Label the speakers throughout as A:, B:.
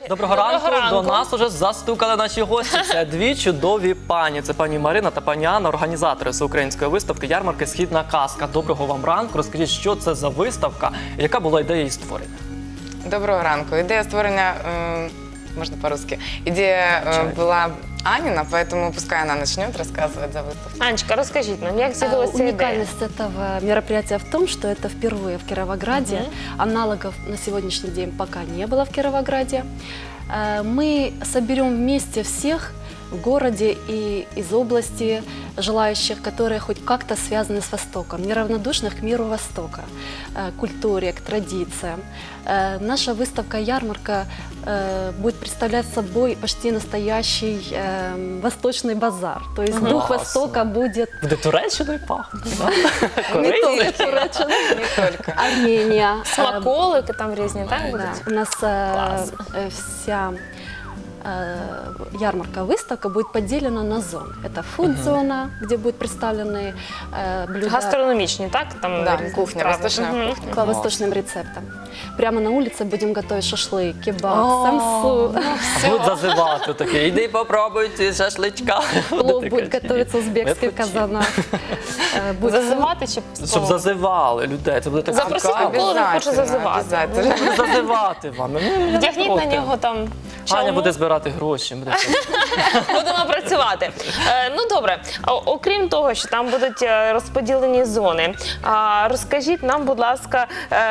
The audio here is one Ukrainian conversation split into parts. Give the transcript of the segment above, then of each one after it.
A: Доброго ранку. До нас уже застукали наші гості. Це дві чудові пані. Це пані Марина та пані Анна, організатори всеукраїнської виставки ярмарки «Східна казка». Доброго вам ранку. Розкажіть, що це за виставка і яка була ідея її створення?
B: Доброго ранку. Ідея створення, можна по-русски, ідея була Анина, поэтому пускай она начнет рассказывать за выставку.
C: Анечка, расскажите нам, как з'явилася ідея?
D: Уникальность этого мероприятия в том, что это впервые в Кировограде. Аналогов на сегодняшний день пока не было в Кировограде. Мы соберем вместе всех в городе и из области желающих, которые хоть как-то связаны с Востоком, неравнодушных к миру Востока, к культуре, к традициям. Наша выставка-ярмарка будет представлять собой почти настоящий восточный базар. То есть дух Востока будет...
A: Буде Туреччиною пахнути,
D: Не только Туреччина,
B: Не только.
D: Армения.
C: Смаколики там різні, так
D: Да,
C: будуть?
D: у нас вся ярмарка-выставка будет поделена на зоны. Это фуд-зона, где будут представлены блюда
C: Гастрономічні, так? Там
B: Да,
C: різні
B: кухня,
C: страви.
B: восточная
C: Мгм.
B: кухня.
D: по восточным рецептам. Прямо на улице будем готовить шашлык, кебаб, самсу.
A: Будуть зазивати таке. Іди попробуй ці шашличка.
D: Плов будет готовиться узбекский в казанах.
C: Зазивати чи
A: Щоб зазивали людей. Це буде так
C: Запросіть
A: цікаво.
C: Миколу, не хочу зазивати.
B: обязательно.
A: Буде зазивати вам.
C: Вдягніть на нього там
A: Аня
C: чалму.
A: буде збирати гроші.
C: Будемо працювати. Ну добре, окрім того, що там будуть розподілені зони, розкажіть нам, будь ласка,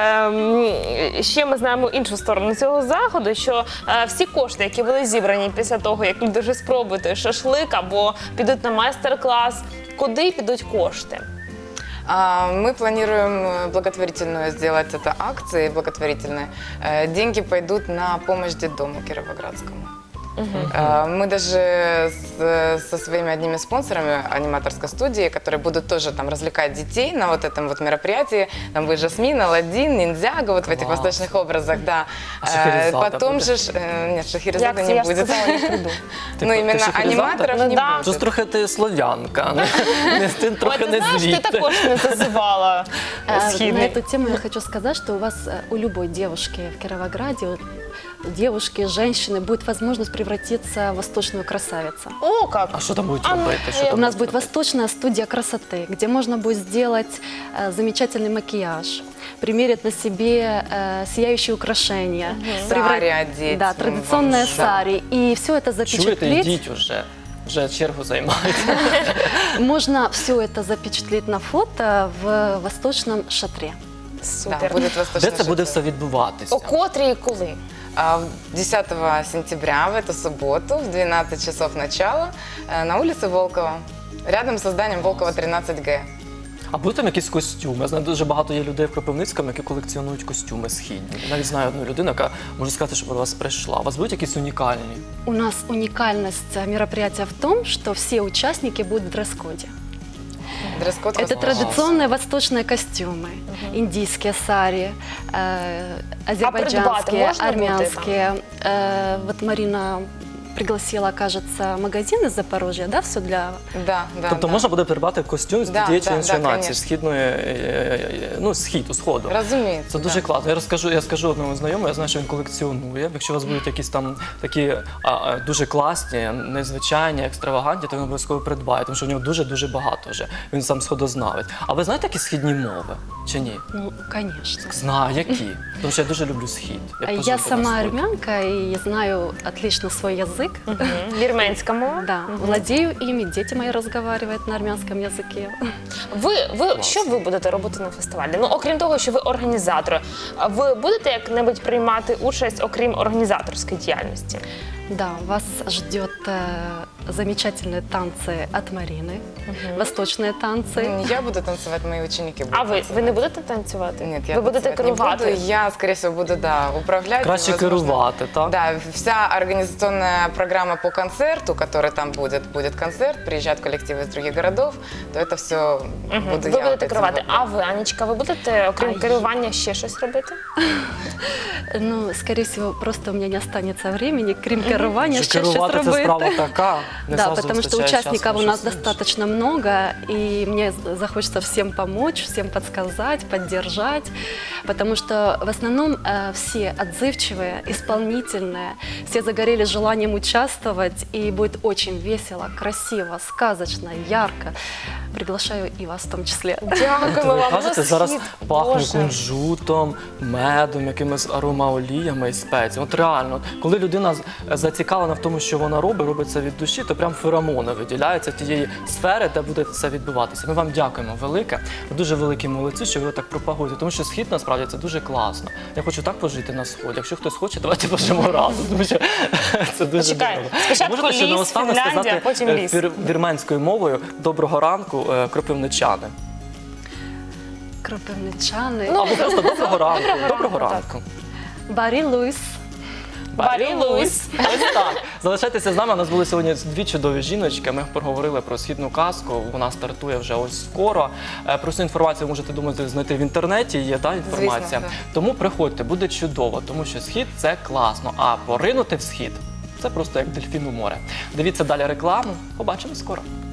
C: ще ми знаємо іншу сторону цього заходу, що всі кошти, які були зібрані після того, як люди вже спробують той шашлик або підуть на майстер-клас, куди підуть кошти?
B: Мы планируем благотворительную сделать это акции благотворительные. Деньги пойдут на помощь детдому Кировоградскому. Мы даже со своими одними спонсорами аниматорской студии, которые будут тоже там развлекать детей на вот этом вот мероприятии, там будет Жасмин, Аладдин, Ниндзяго, вот в этих
A: Класс.
B: восточных образах, да.
A: А Шахерезада
B: Потом
A: будет?
B: же, нет, Шахерезада
C: Як це
B: не
C: я ж
B: будет.
C: сказала, не прийду.
B: Ну, именно
A: Шахерезада?
B: аниматоров
C: Ну
B: не
C: да.
A: Щось
B: будет.
A: трохи ти слов'янка, ти
C: Ой,
A: трохи
C: ти
A: не
C: знаєш, ти
A: звідти.
C: також не зазивала
D: На
C: східний.
D: эту тему я хочу сказать, что у любой девушки в Кировограде, у девушки, женщины будет возможность превратиться в восточную красавицу.
C: О, як!
A: А що там будуть
C: А, ну,
A: робити? Що
C: я-
A: там
D: У нас
A: будуть
D: будет восточная студия красоты, где можно будет сделать замечательный макияж, примерить на себе сияющие украшения,
B: Сари одеть.
D: да,
B: вам,
D: традиционное
B: да.
D: сари. И все это
A: Чуєте,
D: запечатлеть.
A: йдіть уже. Вже чергу займають.
D: Можно все это запечатлеть на фото в восточном шатре.
B: Да,
C: Супер.
B: будет
A: Де
B: восточный
A: це буде
B: шатер.
A: все відбуватися?
C: О котрій і коли?
B: 10 сентября, в эту субботу, в 12 часов начала, на улице Волкова, рядом с зданием Волкова 13Г.
A: А будуть там якісь костюми? Я знаю, дуже багато є людей в Кропивницькому, які колекціонують костюми східні. Я навіть знаю одну людину, яка може сказати, що до вас прийшла. У вас будуть якісь унікальні?
D: У нас уникальность мероприятия в том, что все участники будут в дресс-коде.
B: Дресс-код
D: Это
B: восточный.
D: традиционные восточные костюмы, индийские сари, азербайджанские,
C: можно будет
D: армянские. Вот Марина пригласила, кажется, магазин из Запорожья, да, все для...
B: Да, да,
A: Тобто
B: да.
A: можна буде придбати костюм з
B: Да,
A: тієї чи
B: да,
A: іншої
B: да,
A: нації,
B: конечно.
A: східної, ну, сходу.
B: Разумеется.
A: Це дуже
B: да.
A: класно. Я скажу одному знайомому, я знаю, що він колекціонує. Якщо у вас будуть якісь там такі дуже класні, незвичайні, екстравагантні, то він обов'язково придбає, тому що в нього дуже-дуже багато вже. Він сам сходознавець. А ви знаєте які східні мови? Чи ні?
D: Ну, конечно.
A: Знаю, які. Тому що я дуже люблю схід.
D: Я
A: пожив на
D: сама
A: сході.
D: армянка и знаю отлично свой язык.
C: Вірменська мова?
D: Да, владею ими, дети мои разговаривают на армянском языке.
C: Що ви будете робити на фестивалі? Ну, окрім того, що ви організатори, ви будете як-небудь приймати участь, окрім організаторської діяльності?
D: Да, вас ждет замечательные танцы от Марины, восточные танцы.
B: Не я буду танцевать, мои ученики будут
C: А ви
B: танцевать.
C: не будете танцювати?
B: Нет, я
C: ви будете
B: танцевать не
C: керувати?
B: буду. Я, скорее всего, буду, да, управлять.
A: Краще
B: возможно.
A: керувати, так?
B: Да, вся организационная программа по концерту, который там будет концерт, приезжают коллективы из других городов, то это все буду
C: Ви
B: я.
C: будете
B: вот этим
C: керувати.
B: вот.
C: А ви, Анечка, ви будете, окрім
D: А
C: керування, ще щось робити?
D: Ну, скорее всего, просто у меня не останется времени, крім керування,
A: Що
D: ще щось
A: керувати це
D: робити.
A: справа така. Не
D: Да,
A: завжди
D: потому что
A: вистачає часу
D: участников
A: на
D: у нас
A: щось інше.
D: достаточно много, и мне захочется всем помочь, всем подсказать, поддержать, потому что в основном все отзывчивые, исполнительные, все загорели желанием участвовать, и будет очень весело, красиво, сказочно, ярко. Приглашаю и вас в том числе.
C: Дякуємо
A: Ви
C: вам.
A: кажете,
C: Ну,
A: зараз
C: схід,
A: пахне
C: Боже.
A: кунжутом, медом, якимись аромаоліями і спеціями. От реально, от коли людина зацікавлена в тому, що вона робить це від душі, то прям феромони виділяються тієї сфери, де буде все відбуватися. Ми вам дякуємо велике. Ви дуже великі молодці, що ви так пропагуєте. Тому що схід насправді це дуже класно. Я хочу так пожити на сході. Якщо хтось хоче, давайте пожимо разом. Тому що це дуже
C: Почекай,
A: дорого.
C: спочатку
A: Можете ще
C: ліс,
A: наостанок
C: Фінляндія,
A: сказати
C: а потім ліс.
A: вірменською мовою доброго ранку, кропивничани.
D: Кропивничаны.
A: Або просто доброго ранку. Доброго
C: так.
A: ранку.
D: Барі Луїс.
C: Барі Луїс.
A: Ось так. Залишайтеся з нами. У нас були сьогодні дві чудові жіночки. Ми поговорили про східну казку. Вона стартує вже ось скоро. Про цю інформацію можете, думати, знайти в інтернеті. Є інформація.
B: Звісно, да.
A: Тому приходьте, буде чудово, тому що схід це класно. А поринути в схід це просто як дельфін у море. Дивіться далі рекламу. Побачимо скоро.